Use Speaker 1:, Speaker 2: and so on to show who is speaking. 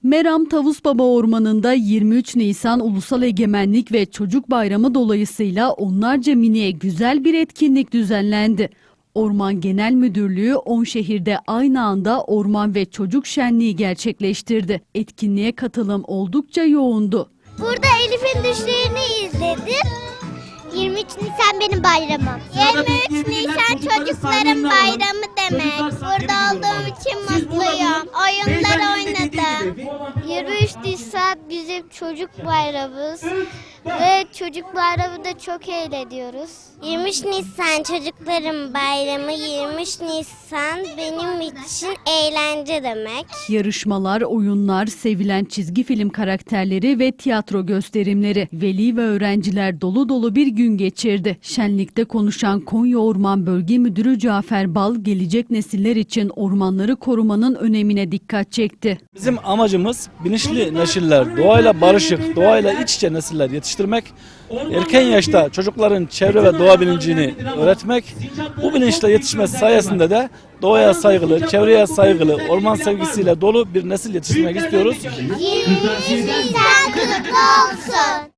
Speaker 1: Meram Tavusbaba Ormanı'nda 23 Nisan Ulusal Egemenlik ve Çocuk Bayramı dolayısıyla onlarca miniye güzel bir etkinlik düzenlendi. Orman Genel Müdürlüğü 10 şehirde aynı anda orman ve çocuk şenliği gerçekleştirdi. Etkinliğe katılım oldukça yoğundu.
Speaker 2: Burada Elif'in düşlerini izledim. 23 Nisan benim bayramım. 23 Nisan çocukların bayramı demek. Burada olduğum için mutluyum. Oyunlar oynadım. 23 Nisan bizim çocuk bayramımız. Ve çocuk bayramında çok eğleniyoruz. 23 Nisan çocukların bayramı, 23 Nisan benim için eğlence demek.
Speaker 1: Yarışmalar, oyunlar, sevilen çizgi film karakterleri ve tiyatro gösterimleri. Veli ve öğrenciler dolu dolu bir gün geçirdi. Şenlikte konuşan Konya Orman Bölge Müdürü Cafer Bal, gelecek nesiller için ormanları korumanın önemine dikkat çekti.
Speaker 3: Bizim amacımız bilinçli nesiller, doğayla barışık, doğayla iç içe nesiller yetiştirmek, erken yaşta çocukların çevre ve doğa bilincini öğretmek, bu bilinçle yetişmesi sayesinde de doğaya saygılı, çevreye saygılı, orman sevgisiyle dolu bir nesil yetiştirmek istiyoruz.
Speaker 2: 23 Nisan kutlu olsun.